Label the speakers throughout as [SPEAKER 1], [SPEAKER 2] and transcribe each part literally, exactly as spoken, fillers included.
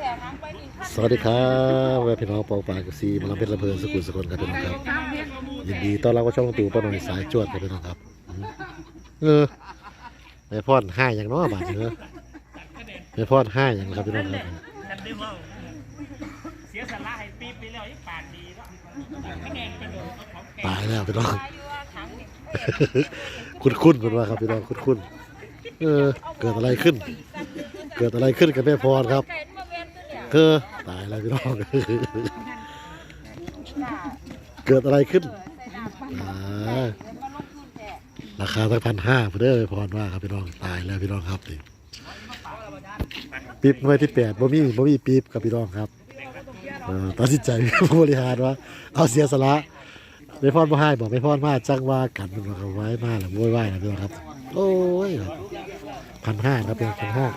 [SPEAKER 1] สวัสดีครับแม่พี่น้องปองปากกับซีมาลำเพชรลำเพลินสกุลสกลครับพี่น้องครับยินดีต้อนรับเข้าช่องตู่ป้าหน่อยสายจวดครับพี่น้องครับเออแม่พอดให้อย่างน้อยบาทเนอะแม่พอดให้อย่างครับพี่น้องครับ
[SPEAKER 2] เสียสละให้ปี๊บไปแล้วปานดีแล้ว
[SPEAKER 1] ตายแล้วพี่น้องคุ้นคุ้นเป็นว่าครับพี่น้องคุ้นคุ้นเออเกิดอะไรขึ้น เกิดอะไรขึ้นกับแม่พรครับเธอตายแล้วพี่น้องเกิดอะไรขึ้นราคาตั้งพันห้าเพื่อแม่พรว่าครับพี่น้องตายแล้วพี่น้องครับนี่ปี๊บหน่วยที่แปดบ่มีบ่มีปี๊บกับพี่น้องครับตัดสินใจผู้บริหารว่าเอาเสียสละไม่พรบ่ให้บอกไม่พรมาจังว่ากันมันก็ไว้มาแล้วโวยวายนะพี่น้องครับโอ้ยพันห้าครับเป็นพันห้า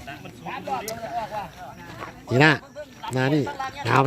[SPEAKER 1] นี่นะนานี่หนาวไหม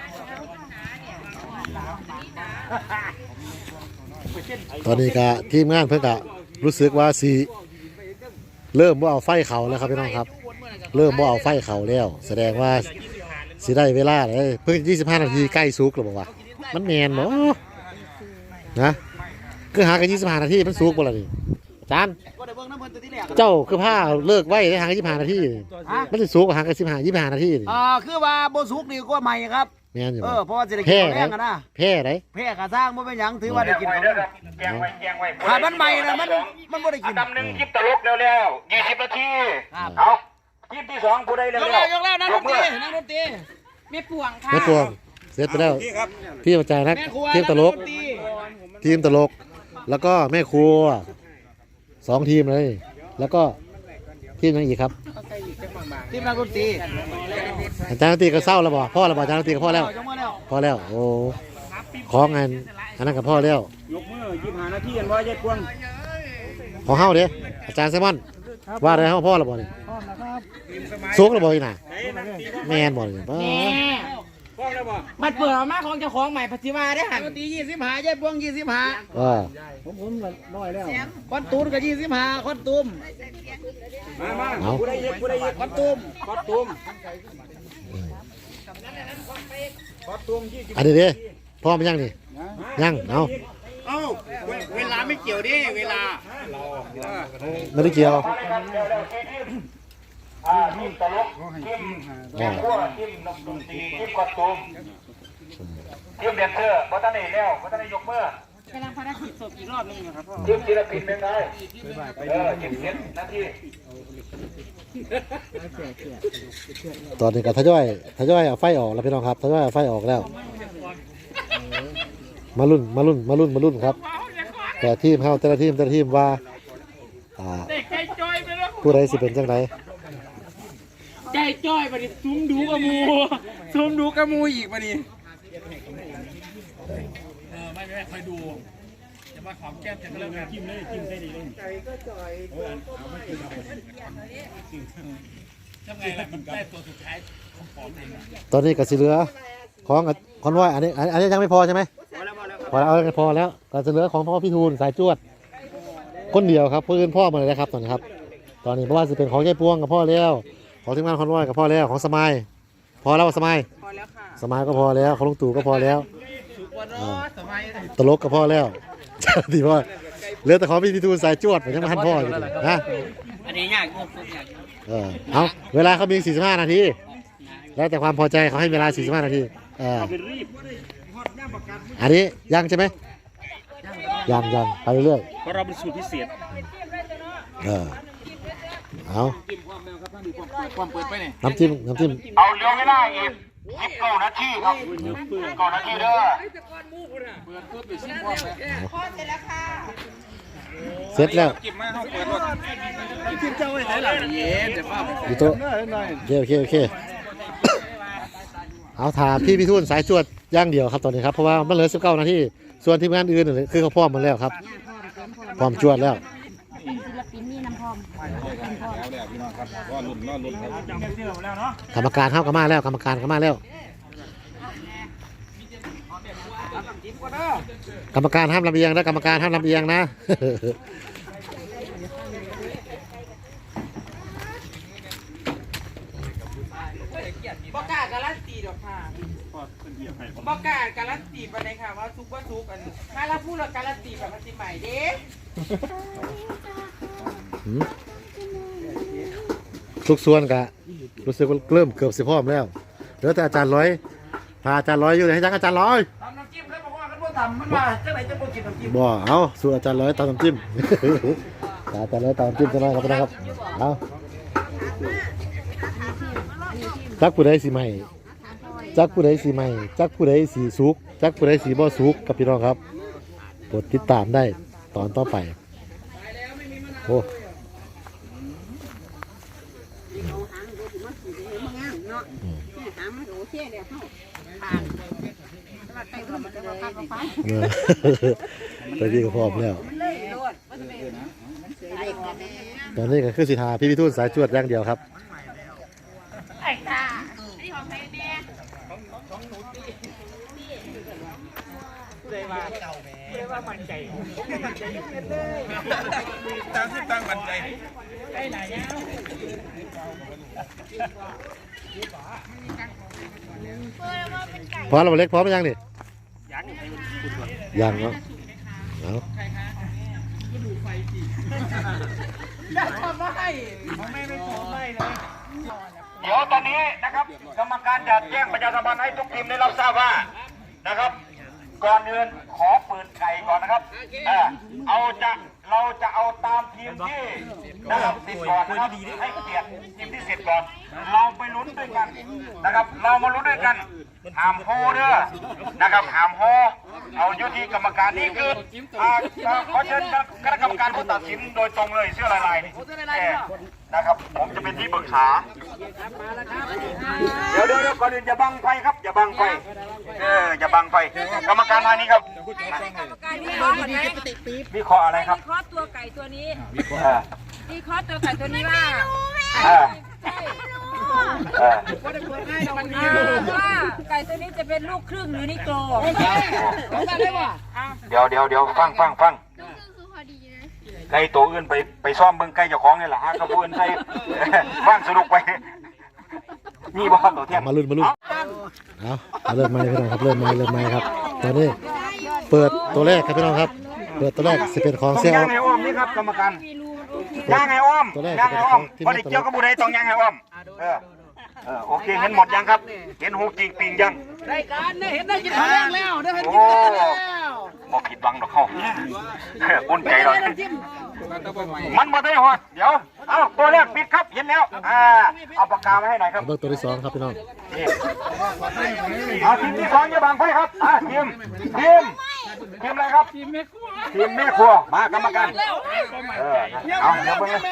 [SPEAKER 1] ตอนนี้ก็ทีมงานเพิ่งกะรู้สึกว่าสีเริ่มว่าเอาไฟเขาแล้วครับพี่น้องครับเริ่มว่าเอาไฟเขาแล้วแสดงว่าสีได้เวลาเลยเพิ่งยี่สิบห้านาทีใกล้ซุกหรือเปล่าวะมันแมนบ่นะคือหากันยี่สิบห้านาทีมันซุกบ่ล่ะนี่จานเจ้าคือผ้าเลิกไว้ได้หางกันยี่สิบห้านาทีมันจะซุกหางกันสิบห้ายี่สิบห้านาทีนี่
[SPEAKER 3] อ่าคือว่าโบซุกนี่ก็ใหม่ครับ
[SPEAKER 1] แมนอยู่
[SPEAKER 3] เออเพราะว่าจะได้กินแรงกันนะ
[SPEAKER 1] แพ้ไหน
[SPEAKER 3] แพ้กระสร้างมันเป็นยังถือว่าได้กินของ
[SPEAKER 2] แกงไว้แกงไว้
[SPEAKER 3] ถ้ามันใหม่นะมันมันไม่ได้กิน
[SPEAKER 2] ตำหนึ่งคลิปตลกเร็วๆยี่สิบนาทีเอาคลิปที่สองกูได้เร็วย
[SPEAKER 3] กแล้วยกแล้วนั่งดนตรีนั่งดนตรี
[SPEAKER 4] ไม่ป่วงค่ะ
[SPEAKER 1] ไม่ปวงเสร็จไปแล้วพี่ประจายนักทีมตลกทีมตลกแล้วก็แม่ครัวสองทีมเลยแล้วก็ทีมยังอีกครับ
[SPEAKER 3] ทีมนักดนตรี
[SPEAKER 1] อาจารย์ดนตรีก็เศร้าแล้วบ่พ่อแล้วบ่อาจารย์ดนตรีก็พ่อแล้วพ่อแล้วโอ้ของงานอันนั้นกับพ่อแล้ว
[SPEAKER 2] ยกมือยี่สิบห้านาทีกันว่าเย็ดพวง
[SPEAKER 1] ของเฮาเด้อาจารย์ไซมอนว่าอะไรเฮาพ่อแล้วบ่นี่ซุกแล้วบ่นี่น่ะแม่นบ่นี่ป้า
[SPEAKER 4] บัดเปิดออกมาของเจ้าของใหม่ปฏิวัติได้หัน
[SPEAKER 3] ดนตรียี่สิบห้าเย็บพวงยี่สิบห้า
[SPEAKER 1] อ่า
[SPEAKER 3] ผมผมน้อยแล้วคอนตูนก็ยี่สิบห้าคอนตูม
[SPEAKER 2] มามากูได้เย็บกูได้เย็บ
[SPEAKER 3] คอนตูม
[SPEAKER 2] คอนตูมคอนตูมยี่สิบ
[SPEAKER 1] อันนี้เด้พ่อมันยังนี่ยังเอา
[SPEAKER 2] เอ้าเวลาไม่เกี่ยวดิเวลา
[SPEAKER 1] ไม่ได้เกี่ยว
[SPEAKER 2] อ่าทีมตลกทีมแม่ครัวทีมนกดนตรีทีมคอนตูมทีมแดนเซอร์บัตรนี่แล้วบัตรนี่ยกมือก
[SPEAKER 4] ำลังภารกิจศพอีกรอบนึงนะครับพ่อ
[SPEAKER 2] ทีมศิลปินเป็นไงเออทีมเสียงนาที
[SPEAKER 1] ตอนนี้ก็ทยอยทยอยเอาไฟออกแล้วพี่น้องครับทยอยเอาไฟออกแล้วมารุ่นมารุ่นมารุ่นมารุ่นครับแต่ทีมเขาแต่ละทีมแต่ละทีมว่าผู้ใดสิเป็นจังได
[SPEAKER 4] ใจจ้อยปฏิซุ้มดูกระมูซุ้มดูกระมูอีกปะนี่
[SPEAKER 2] เออไม่ไม่คอยดูจะมาขอมแก้มจะเริ่มจิ้มเลยจิ้มได้ดีเลยใจก็จ่อยเอาไม่กินยังไงล่ะมันได้ตัวสุดท้ายของผมเอง
[SPEAKER 1] ตอนนี้ก็สิเหลือของคอนวอยอันนี้อันนี้ยังไม่พอใช่ไหมพอแล้วพอแล้วก็จะเหลือของพ่อพี่ทูลสายจวดคนเดียวครับเพื่อนพ่อมาเลยนะครับตอนนี้ครับตอนนี้เพราะว่าจะเป็นของยายพวงกับพ่อแล้วของทีมงานคอนวอยกับพ่อแล้วของสมัยพอแล้วสมัย
[SPEAKER 4] พอแล้วค่ะ
[SPEAKER 1] สมัยก็พอแล้วของลุงตู่ก็พอแล้วตลกก็พอแล้วดีพ่อเหลือแต่ของพี่ทูลสายจวดเหมือนยังไม่ทันพ่ออยู่นะ
[SPEAKER 4] อันนี้ยากงงยาก
[SPEAKER 1] เออเอาเวลาเขามีสี่สิบห้านาทีแล้วแต่ความพอใจเขาให้เวลาสี่สิบห้านาทีเอออันนี้ยังใช่ไหมยังยังไปเรื่อย
[SPEAKER 2] เพราะเราเป็นสูตรพิเศษ
[SPEAKER 1] เออเอา
[SPEAKER 2] ความเปิดไปเนี่ย
[SPEAKER 1] น้ำจิ้มน้ำจิ้ม
[SPEAKER 2] เอาเลี้ยวไม่ได้อีกสิบเก้านาทีครับเก้านาทีเด้อ
[SPEAKER 1] เสร็จแล้ว
[SPEAKER 2] กินเจ้าไว้ไหนล่ะเย็นจะฟ้า
[SPEAKER 1] อยู่โต๊ะโอเคโอเคเอาถามพี่พี่ทุนสายจวดย่างเดียวครับตอนนี้ครับเพราะว่ามันเหลือสิบเก้านาทีส่วนทีมงานอื่นคือเขาพร้อมมาแล้วครับพร้อมจวดแล้วกรรมการเข้ากันมาแล้วกรรมการกันมาแล้วกรรมการห้ามลำเอียงนะกรรมการห้ามลำเอียงนะ
[SPEAKER 4] บอกกล้าการันตีดอกค่ะบอกกล้าการันตีไปเลยค่ะว่าซุกว่าซุกอันถ้าเราพูดเราการันตีแบบพันธุ์ใหม่เด้
[SPEAKER 1] หืมทุกส่วนกะรู้สึกว่าเริ่มเกือบสิพร้อมแล้วเหลือแต่อาจารย์ร้อยพาอาจารย์ร้อยอยู่ไหนให้จังอาจารย์ร้อย
[SPEAKER 3] ทำน้ำจิ้มแล้วบอกว่ากันว่าทำมันมาจังไหนจะบ่กินน้ำจิ้ม
[SPEAKER 1] บ่เอาสูตรอาจารย์ร้อยตามน้ำจิ้ม อาจารย์ร้อยตามน้ำจิ้มจะน้อยครับนะครับเอาจักผู้ใดสีใหม่จักผู้ใดสีใหม่จักผู้ใดสีสุกจักผู้ใดสีบ่สุกกับพี่น้องครับกดติดตามได้ตอนต่อไปโอ้เออตอนนี้ก็พร้อมแล้วตอนนี้ก็คือสิทาพี่พิทูลสายจวดอย่างเดียวครับ
[SPEAKER 4] ไอ้ตานี่ของใครแม่เลยว่าเลยว่ามันใจมันใจยุ่งเลยตั้งที่ตั้งมันใจไอ้ไหนเนี่ย
[SPEAKER 1] พร้อมแล้วเล็กพร้อมหรือยังนี่
[SPEAKER 4] ยัง
[SPEAKER 1] ยังเนาะเอา
[SPEAKER 4] ทำไม่ของแม่ไม่ทำไม่เลย
[SPEAKER 2] เดี๋ยวตอนนี้นะครับกรรมการจะแจ้งประชาสัมพันธ์ให้ทุกทีมได้รับทราบว่านะครับ ก่อนอื่นขอปืนไก่ก่อนนะครับเออเอาจะเราจะเอาตามทีมที่นะครับสิบก่อนนะครับให้เกียรติทีมที่สิบก่อนเราไปลุ้นด้วยกันนะครับ เรามาลุ้นด้วยกันหามโฮเด้อนะครับหามโฮเอายุติกรรมการนี่คืออ่าขอเชิญคณะกรรมการผู้ตัดสินโดยตรงเลยเสื้อลายลายนะครับผมจะเป็นที่ปรึกษาเดี๋ยวเดี๋ยวก่อนอื่นอย่าบังไฟครับอย่าบังไฟเอออย่าบังไฟกรรมการทางนี้ครับ
[SPEAKER 5] กรรมการวิเคราะห์ก่อนไหม
[SPEAKER 2] วิเคราะห์อะไรครับ
[SPEAKER 5] วิเคราะห์ตัวไก่ตัวนี้
[SPEAKER 2] เออ
[SPEAKER 5] วิเคราะห์ตัวไก่ตัวนี้ว่า
[SPEAKER 2] เออ
[SPEAKER 5] ใช่
[SPEAKER 2] เออ
[SPEAKER 5] อ่าว่าไก่ตัวนี้จะเป็นลูกครึ่งหรือนิโกร
[SPEAKER 2] เดี๋ยวเดี๋ยวเดี๋ยวฟังฟังฟังไก่ตัวอื่นไปไปซ่อมเบิ้งไก่เจ้าของนี่แหละฮะกระปุนใส่ฟังสนุกไปนี่บ่ตัวเทียม
[SPEAKER 1] มาลุ้นมาลุ้นเอาเอาเริ่มใหม่พี่น้องครับเริ่มใหม่เริ่มใหม่ครับตอนนี้เปิดตัวแรกครับพี่น้องครับเปิดตัวแรกจะเป็นของ
[SPEAKER 2] ต้อง
[SPEAKER 1] เซล
[SPEAKER 2] ย่างไงอ้อมนี่ครับกรรมการย่างไงอ้อมย่างไงอ้อมพอได้เกี่ยวกับบุได้ต้องย่างไงอ้อมเออเออโอเคเห็นหมดยังครับเห็นหูจริงปิงยัง
[SPEAKER 3] ได้การได้เห็นได้กินข้าวแดงแล้วได้เห็น
[SPEAKER 2] โอ้
[SPEAKER 3] กินข้าวแดงแล้ว
[SPEAKER 2] บอกผิดบังดอกเข้าอุ่นใจเลยมันมาได้หอดเดี๋ยวเอาตัวแรกปิดครับเห็นแล้วอ่าเอาปากกามาให้หน่อยครับ
[SPEAKER 1] เบิกตัวที่สองครับพี่น้อง
[SPEAKER 2] นี่เอาทีมที่สองอย่าบังไฟครับอ่าทีมทีมทีมอะไรครับทีมแม่ครัวทีมแม่ครัวมากรรมการเออเอาเดี๋ยวเบิ่งนะ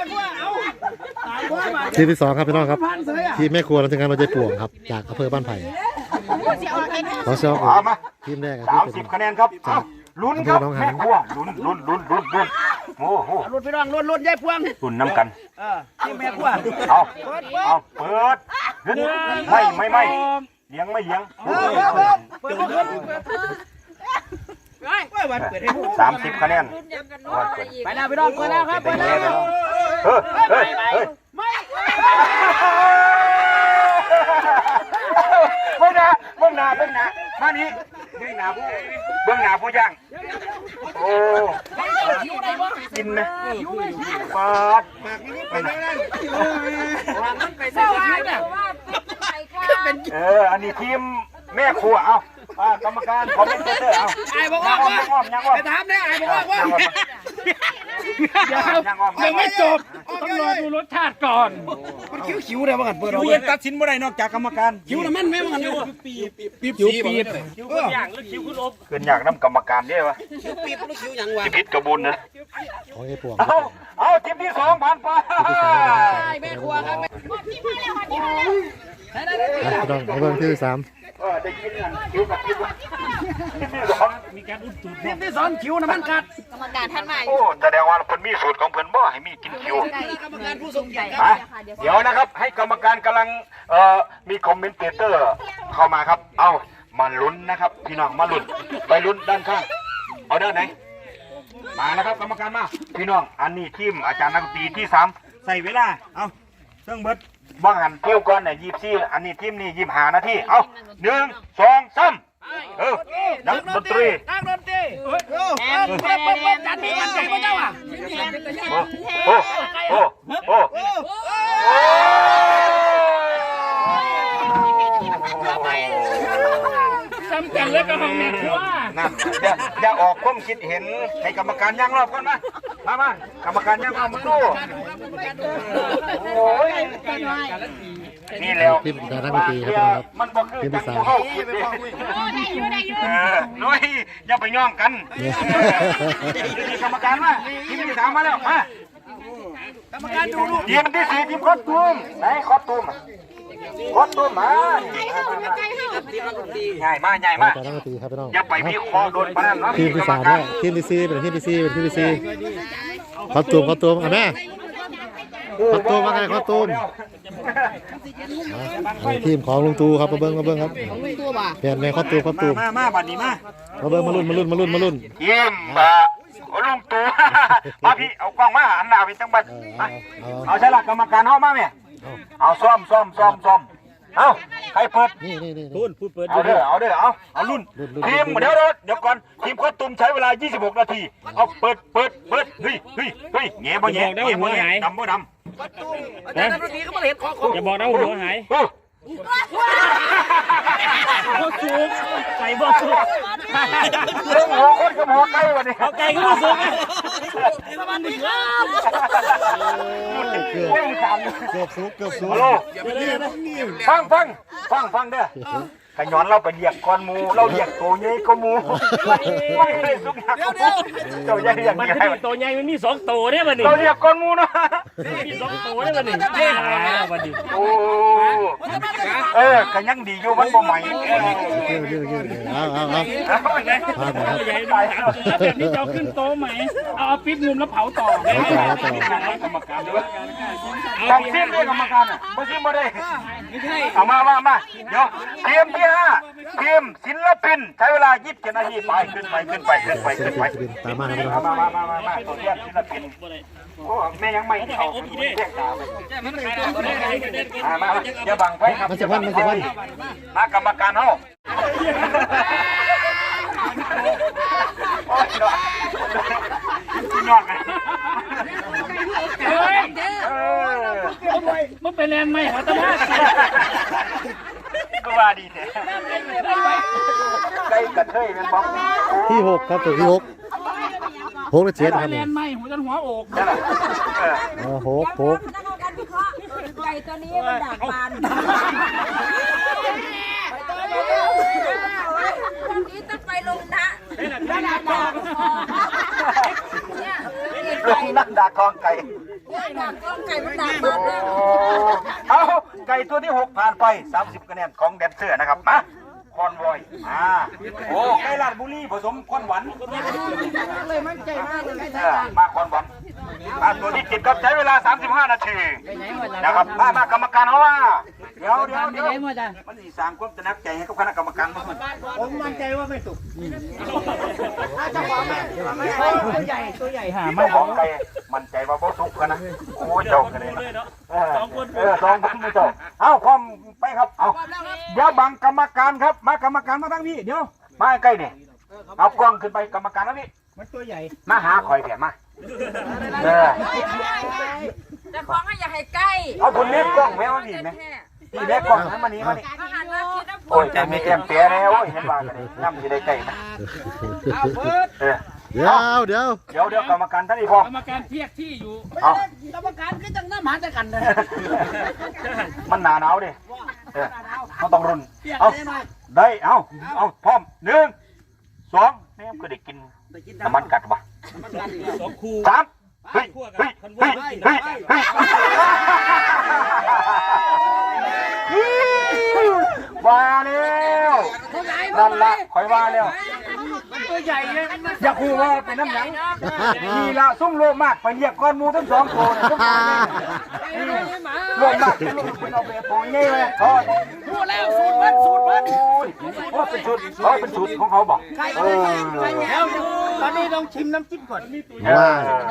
[SPEAKER 1] ทีมที่สองครับพี่น้องครับทีมแม่ครัวเราทำงานเราใจป่วงครับจากอำเภอบ้านไผ่ขอเซล
[SPEAKER 2] เอามา
[SPEAKER 1] ทีมแรกครับ
[SPEAKER 2] สาม
[SPEAKER 1] ที่
[SPEAKER 2] สิ
[SPEAKER 1] เป็
[SPEAKER 2] บ
[SPEAKER 1] น
[SPEAKER 2] คะแนนครับเอาลุ้นครับแม่ครัวลุ้นลุ้นลุ้นลุ้นลุ้นโอ้โห
[SPEAKER 3] รุ่นพี่น้องรุ่นรุ่นยายพวง
[SPEAKER 2] ลุ้นน้ำกัน
[SPEAKER 3] เออที่แม่ครัว
[SPEAKER 2] เอาเอาเปิดขึ้นไม่ไม่ไม่เลี้ยงไม่เลี้ยง
[SPEAKER 3] เออเปิดเปิดเปิดเปิดเปิดวันเปิดให้ผู้
[SPEAKER 2] สามสิบคะแนน
[SPEAKER 5] รุ่นยังกันน้อยอะไรอีก
[SPEAKER 3] ไปแล้วพี่น้องเปิดแล้วครับเปิดแล้ว
[SPEAKER 2] เฮ้ยเฮ้ยเฮ้ย
[SPEAKER 3] ไม่
[SPEAKER 2] เบื้องหน้าเบื้องหน้าเบื้องหน้ามานี้เบื้องหน้าผู้เบื้องหน้าผู้ย่างโอ้กินนะปาด
[SPEAKER 5] มันไปเสื้อว่าแต่ว่าเป็นไก่ค่ะเป็น
[SPEAKER 2] เอออันนี้ทีมแม่ครัวเอาอ่ากรรมการคอมเมนเตอร์เอา
[SPEAKER 3] ไอ้บอกว่า
[SPEAKER 2] ยังอ้อมยังอ้อม
[SPEAKER 3] ไปถามเนี่ยไอ้บอกว่าว่า
[SPEAKER 2] ยังอ้อม
[SPEAKER 3] ยังไม่จบ
[SPEAKER 4] ต้องรอดูรสชาติก่อน
[SPEAKER 3] มันคิ้วคิ้วเลยว่ากันเปิด
[SPEAKER 2] คิวยังตัดสินบ่ได้นอกจากกรรมการ
[SPEAKER 3] คิ้วน่ะมันไม่ว่ากันอยู่ปีปีปี
[SPEAKER 4] คิ้วปีบคิ้วขึ้นอย่างหรือคิ้วขึ้นลบ
[SPEAKER 2] เกินอยากน้ำกรรมการได้ปะ
[SPEAKER 3] คิ้วปีหรือคิ้วยังวะ
[SPEAKER 2] จะพิษกระบุญนะ
[SPEAKER 1] ของไอ้ป่วง
[SPEAKER 2] เอาเอาทีมที่สองผ่านไป
[SPEAKER 3] แม่ครัวครับ
[SPEAKER 1] อ่ะพี่น้องเอาเบิ้งที่สาม
[SPEAKER 2] เออได้ยินกันคิวกับคิวทีมที่สอง
[SPEAKER 4] มีการอุดตูด
[SPEAKER 3] ทีมที่สองคิ้วน่ะมันกัด
[SPEAKER 5] กรรมการท่านใหม่
[SPEAKER 2] โอ้แสดงว่าเพิ่นมีสูตรของเพิ่นบ่ให้มีกินคิว
[SPEAKER 3] กรรมการผู้ทรงเกียรติ
[SPEAKER 2] ฮะเดี๋ยวนะครับให้กรรมการกำลังเอ่อมีคอมเมนเตอร์เข้ามาครับ เอามาลุ้นนะครับพี่น้องมาลุ้นไปลุ้นด้านข้างเอาด้านไหนมาแล้วครับกรรมการมาพี่น้องอันนี้ทีมอาจารย์นักดนตรีที่สามใส่เวลาเอาเครื่องเบิดบางหันเที่ยวก่อนเนี่ยยี่สิบสี่อันนี้ทีมนี้ยี่สิบห้านาทีเอาหนึ่งสองสามเออนักดนตรี
[SPEAKER 3] ตั้งดนตรีเฮ้ยเฮ้ยเฮ้ยเฮ้ยเฮ้ยจันทร์มันใจพระเจ้าอ่ะ
[SPEAKER 2] โอ้โอ้โอ้โอ้
[SPEAKER 4] ซ้ำกันแล้วก็ห้องแม่ครัว
[SPEAKER 2] นั่นอย่าอย่าออกความคิดเห็นให้กรรมการย่างรอบก่อนมามามากรรมการย่างรอบมาดูโอ้ยนี่แล้ว
[SPEAKER 1] ทีมดาราไม่ตีครับพี่น้องครับ
[SPEAKER 2] มันบ่คือ
[SPEAKER 1] ทีมที่สาม
[SPEAKER 2] เข้าคิดดิเออน้อยอย่าไปย่องกันนี่กรรมการมาทีมที่สามมาแล้วมาก
[SPEAKER 3] รรมการดูลูก
[SPEAKER 2] ทีมที่สี่ทีมคอสตูมไหนคอสตูมคอสตูมมาใหญ่มากใหญ่มาก
[SPEAKER 1] ดาราไม่ตีครับพี่น้อง
[SPEAKER 2] อย่าไปมีคอโดนปนันนะ
[SPEAKER 1] ทีมที่สามแล้วทีมที่สี่เป็นทีมที่สี่เป็นทีมที่สี่ขอตูมขอตูมอ่ะแม่ขอตูมว่าไงขอตูมทีมของลุงตูครับมาเบิ้งมาเบิ้งครับเปลี่ยนแม่ขอตูมขอตูม
[SPEAKER 2] มามาบัดนี้มา
[SPEAKER 1] มาเบิ้งมาลุ้นมาลุ้นมาลุ้นมาลุ้น
[SPEAKER 2] เยี่ยมอ่ะลุงตู่มาพี่เอากล้องมาอันหน้าไปจังบัดมาเอาใช่หลักกรรมการเข้ามาไหมเอาซ้อมซ้อมซ้อมซ้อมเอาใครเปิด
[SPEAKER 1] นี่นี่นี่
[SPEAKER 3] ตูนพูดเปิด
[SPEAKER 2] เอาเด้อเอาเด้อเอาเอารุ่นทีมเดี๋ยวเดี๋ยวเดี๋ยวก่อนทีมโค้ชตุ้มใช้เวลายี่สิบหกนาทีเอาเปิดเปิดเปิดเฮ้ยเฮ้ยเฮ้ยแง่บ่แง่แง่บ่แง่ดำบ่ดำ
[SPEAKER 3] อาจารย์ดนตรีก็มาเห็นของ
[SPEAKER 4] อย่าบอกนะหัวหาย
[SPEAKER 2] โอ้
[SPEAKER 4] บ่สูงใส่บ่สูง
[SPEAKER 2] เรื่องหัวคนกับหัวไก่วันนี้
[SPEAKER 4] เอาไก่ก็บ่สูง
[SPEAKER 3] สวัสดีครับ
[SPEAKER 1] เกือบ
[SPEAKER 2] เรื่องสาม
[SPEAKER 1] เกือบสูงเกือบสูง
[SPEAKER 2] ฮัลโหลฟังฟังฟังฟังเด้อขย้อนเราไปเรียกก้อนมูเราเรียกโตใหญ่ก็มูไม่เคยสุกหักเจ้าใหญ่อย่าง
[SPEAKER 4] มัน
[SPEAKER 2] นี้
[SPEAKER 4] คือตัวใหญ่มันมีสองตัวเนี่ยมันนี่
[SPEAKER 2] เราเรียกก้อนมูนะ
[SPEAKER 4] มีสองตัวเนี่ยมันนี่เย้หายแล้วมันนี่
[SPEAKER 2] โอ้เออขยังดีอยู่มันบ่ใหม่
[SPEAKER 1] เกือบเกือบเกือบเอาเอาเอา
[SPEAKER 4] ตัวใหญ่แบบนี้จะเอาขึ้นโต๊ะไหมเอาเอาปิดมุมแล้วเผาต่อ
[SPEAKER 2] กรรมการด้วยต้องซิมด้วยกรรมการอ่ะไม่ซิมไม่ได้เอามามามาเดี๋ยวเตรียมที่ห้าทีมศิลปินใช้เวลายี่สิบเจ็ดนาทีไปขึ้นไปขึ้นไปขึ้นไป
[SPEAKER 1] เสีย
[SPEAKER 2] ขึ้น
[SPEAKER 1] ง
[SPEAKER 2] ไป
[SPEAKER 1] ศิลปินตามมาครับพี่น้องค
[SPEAKER 2] มา
[SPEAKER 1] รับ
[SPEAKER 2] มามามามาตัวเรียกศิลปินโอ้แม่ยังไม่เข้าเรียกตามมามาอย่าบังไว้ครับ
[SPEAKER 1] มันจะพันมันจะพัน
[SPEAKER 2] มากรรมการเฮาพี่น้องกัน
[SPEAKER 4] เฮ้ยมันเป็นแรงไหมหัวตะมา
[SPEAKER 2] ก็ว่าดีแท้ไก่กระเทยเป็นบ้อง
[SPEAKER 1] ที่หกครับตัวที่หกหกและเจ็ดครับ
[SPEAKER 4] แร
[SPEAKER 1] นี่
[SPEAKER 4] งไหมหัวจนหัวอก
[SPEAKER 2] นั่นแหละเออ
[SPEAKER 1] เออหกหก
[SPEAKER 5] นักการวิเคราะห์ไก่ตัวนี้มันดักปานวันนี้ต้องไปลงนะดักดักเนี่ย
[SPEAKER 2] ลงนั่งด่าคองไก่
[SPEAKER 5] ดักก้องไก่มันดักปานเนี่ย
[SPEAKER 2] เอาไก่ตัวที่หกผ่านไปสามสิบคะแนนของแดนเซอร์นะครับมาคอนวอยอ่าโอ้ไก่ลาดบุรีผสมคอนหวาน
[SPEAKER 5] เลยมั่นใจมากเลยไม่
[SPEAKER 2] เอ
[SPEAKER 5] ใช่
[SPEAKER 2] อมาคอนหวานมาตัวที่เจ็ดครับใช้เวลาสามสิบห้านาทีนะครับมามากรรมการเขาว่าเดี๋ยวเดี๋ยวเดี๋ยวมันสีสร้างความตระหนักใจให้กับคณะกรรมการมั้ง
[SPEAKER 3] ผมมั่นใจว่าไม่สุกถ้าจะบอกตัวใหญ่ตัวใหญ่หา
[SPEAKER 2] ไม่บอกไก่มั่นใจว่าบ่สุกกันนะโอ้เจ้ากันเลยเออเออสองคนมือเจ้าเอาพร้อมไปครับเอาเดี๋ยวบังกรรมการครับมากรรมการมาทั้งพี่เดี๋ยวมาใกล้เนี่ยเอากล้องขึ้นไปกรรมการแล้วพี่
[SPEAKER 3] มันตัวใหญ่
[SPEAKER 2] มาหาคอยเพียมาเออ
[SPEAKER 5] จะฟ้องให้อย่าให้ใกล้
[SPEAKER 2] เอาคนเล็กกล้องแม่มาดีไหมนี่เล็กกล้องให้มานี่มานี่
[SPEAKER 5] อาหารว่าคิดว่า
[SPEAKER 2] โอ้ยแต่มีแก้มเปียแล้วโอ้ยเห็นว่ากันเลยน้ำจะได้ใกล้นะเออ
[SPEAKER 1] เดี๋ยวเดี๋ยว
[SPEAKER 2] เดี๋ยวเดี๋ยวกรรมการท่านนี้พอก
[SPEAKER 4] รรมการเพียกที่อยู่
[SPEAKER 2] เอา
[SPEAKER 3] กรรมการก็จังน้ำหาจะกันเลย
[SPEAKER 2] มันหนาหนาวดิเออเขาต้องรุนเอาได้เอาเอาพร้อมหนึ่งสองนี่ก็ได้กินน้ำมันกัดวะ
[SPEAKER 4] สองคู่
[SPEAKER 2] สามเฮ้ยเฮ้ยเฮ้ยเฮ้ยเฮ้ยว่าแล้วนั่นละคอยว่าแล้ว
[SPEAKER 3] ตัวใหญ่เลย
[SPEAKER 2] อยากคูว่าเป็นน้ำหนังนี่ละซุ่มโลมากไปเรียกก้อนมูทั้งสองโตเนี่ยซุ่มโลมากเป็นเอาไปโปงเงี้ยเลยทอด
[SPEAKER 3] พูดแล้วสูตรมันสูตรมัน
[SPEAKER 2] โอ้ยเป็นชุดเขาเป็นชุดของเขาบอก
[SPEAKER 3] ไก่
[SPEAKER 2] เออ
[SPEAKER 3] ไก่แล้วอยู่ตอนนี้ต้องชิมน้ำจิ้มก่อน
[SPEAKER 1] ว่า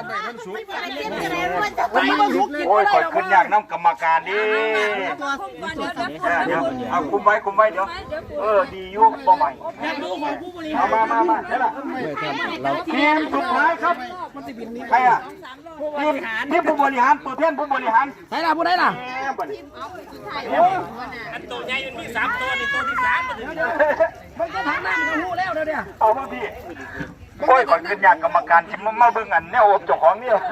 [SPEAKER 3] วันนี้มันสุกกิน
[SPEAKER 2] โอ้ย
[SPEAKER 3] ไม่ได้
[SPEAKER 2] คอย
[SPEAKER 3] หรอก
[SPEAKER 2] ขึ้นอยากน้ำกรรมการดิ
[SPEAKER 5] เดี๋ยวเดี๋ยว
[SPEAKER 2] เดี๋ยวเอาคุมไว้คุมไว้เดี๋ยวเออดีอยู่บ่ใหม่เอามามามาเดี๋ยวละทีมสุดท้ายครับใครอ่ะทีมทีมผู้บริหารตัวแทนผู้บริหาร
[SPEAKER 3] ไหนล่ะพูดได้ล่ะ
[SPEAKER 4] อันตัวใหญ่มันมีสามตัวนี่ตัวที่สามมันถึง
[SPEAKER 3] มันจะทางน้ำจะหูแล้วเดี๋ยวเนี่ย
[SPEAKER 2] เอามาพี่โอ้ยก่อนขึ้นอยากกรรมการชิมมาเบิ่งอันแนวอบเจ้าของเนี่ย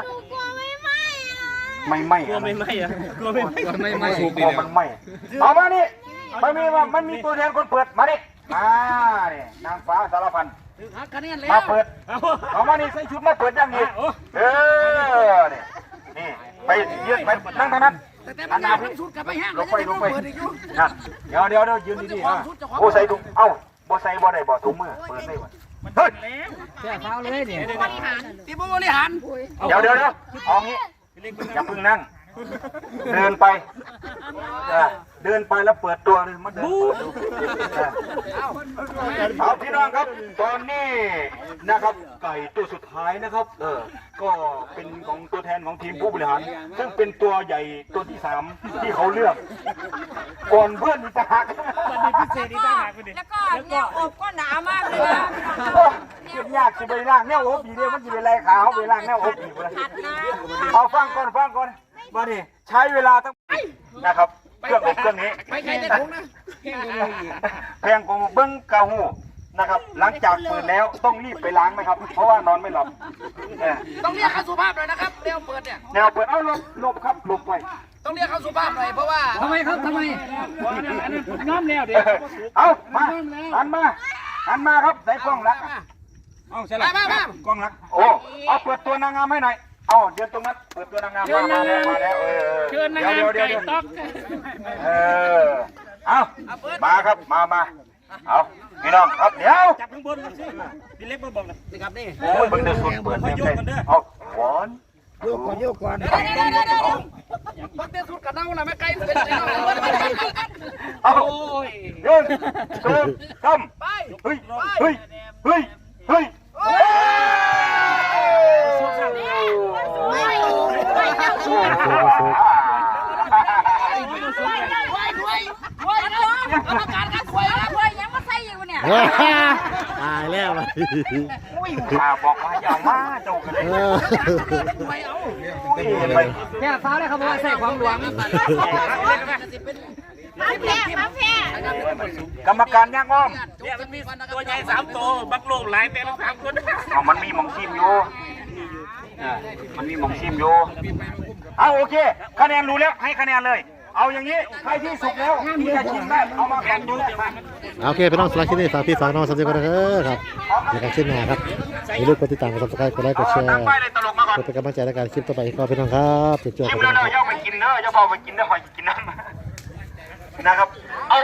[SPEAKER 2] ไม่ไม่ไม่ไม่อะกลัวไม่ไม่กลัวไม่ไม่กลัวมันไม่เอามานี่มันมีมันมีตัวแทนคนเปิดมาดิมาเนี่ยนางฟ้าสารพัน
[SPEAKER 3] คะแนนแล้
[SPEAKER 2] มาว เปิดเอามานี่ใส่ชุดมาเปิดยังไงเออนี่นี่ไปยืนไปนั่งทางนั้น
[SPEAKER 3] แต่มันยาวทั้งสุดกับไปห้าง
[SPEAKER 2] ลงไปลงไปนั่นเดี๋ยวเดี๋ยวเดี๋ยวยืนดีๆนะโอ้ใส่ถุงเอ้าบ่ใส่บ่ได้บ่ถุงมือเปิดได้บ่เฮ้ย
[SPEAKER 3] แค่เท้าเลยเนี่ยบริหารทีมบริหาร
[SPEAKER 2] เดี๋ยวเดี๋ยวเดี๋ยวเอางี้อย่าเพิ่งนั่งเดินไปเออเดินไปแล้วเปิดตัวเลยมาเดินเปิดดูเออเอาพี่น้องครับตอนนี้นะครับไก่ตัวสุดท้ายนะครับเออก็เป็นของตัวแทนของทีมผู้บริหารซึ่งเป็นตัวใหญ่ตัวที่สามที่เขาเลือกก่อนเพื่อนอีกต่างหาก
[SPEAKER 5] แล้วก็เนี่ยอบก็หนามากเลยนะ
[SPEAKER 2] เก็บยากจะไปล่างแนวอบดีเดียวมันจะไปไล่ขาเขาไปล่างแนวอบดีเลยเอาฟังก่อนฟังก่อนมาดิใช้เวลาตั้งนะครับเครื่องอบเครื่องนี้
[SPEAKER 3] ไปใครได้ถุงนะ
[SPEAKER 2] แพงกว่าเบิ้งกะหูนะครับหลังจากเปิดแล้วต้องรีบไปล้างไหมครับ เพราะว่านอนไม่หลับเออ
[SPEAKER 3] ต้องเรียกเขาสุภาพหน่อยนะครับเดี๋ยวเปิดเนี่ย
[SPEAKER 2] แนวเปิดเอาหลบหลบครับหลบไป
[SPEAKER 3] ต้องเรียกเขาสุภาพหน่อยเพราะว่าทำไมครับทำไมน้ำแล้วเดี๋ยว
[SPEAKER 2] เอามาหันมาหันมาครับใส่กล้องรัก
[SPEAKER 3] เอาใช่แล้วมามาก
[SPEAKER 2] ล้องรักโอ้เอาเปิดตัวนางงามให้หน่อยเอาเดี๋ยวตรงนั้นเปิดตัวนางงามมามาแล้วมาแล้วเออเดี๋ยวเดี๋ยวเดี๋ยวเออเอามาครับมามาเอาพี่น้องครับเดี๋ยว
[SPEAKER 4] จับข้างบนสิพี่เล็กมาบอกเลย
[SPEAKER 3] นี่ครับนี่
[SPEAKER 2] โอ้ยเบิ่งเดือดสุดเปิดเลยเอาหวาน
[SPEAKER 3] โยกก่อนโยกก่อนมันเต้นสุดกับเน่าละไม่ไกลเป็นไง
[SPEAKER 2] เอาเดินเดินทำ
[SPEAKER 3] ไป
[SPEAKER 2] เฮ้ยเฮ้ยเฮ้ยเฮ้ย
[SPEAKER 5] กรรมการกันควยแล้วควยยังมาใส่อยู่เนี่ย
[SPEAKER 1] ตายแล้วเลย
[SPEAKER 2] ข้าบอกว่าอย่ามาเจ้ากันเลย
[SPEAKER 1] เออ
[SPEAKER 2] ไป
[SPEAKER 3] แค่ฟ้าเลยครับว่าใส่ความหวัง
[SPEAKER 5] มาแพ้มาแพ้
[SPEAKER 2] กรรมการย่างอ้อม
[SPEAKER 4] เนี่ยมันมีตัวใหญ่สามตัวบักโลกหลายแปลงสามคน
[SPEAKER 2] เอามันมีหมองชิมอยู่มันมีหมองชิมอยู่เอาโอเคคะแนนรู้แล้วให้คะแนนเลย เอาอย่างนี้ใครที่สุกแล้วที่จะชิมได้เอามาแข่งดูมา
[SPEAKER 1] โอเคพี่น้องสำหรับคลิปนี้ฝากพี่ฝากน้องสำหรับกันนะครับในการชิ้นหน้าครับอย่าลืมกดติดตามกดซับสไครต์กดไลค์กดแชร์
[SPEAKER 2] ตั้งป้ายเลยตลกมาก่อน
[SPEAKER 1] กดเป็นกำลังใจในการคลิปต่อไปก็พี่น้องครับจุดจบ
[SPEAKER 2] ชิม
[SPEAKER 1] กัน
[SPEAKER 2] แล้ว
[SPEAKER 1] นะค
[SPEAKER 2] เด้
[SPEAKER 1] รั
[SPEAKER 2] อบ ย่าไปกินเด้อย่าพอไปกินเด้อหอยกินน้ำนะครับ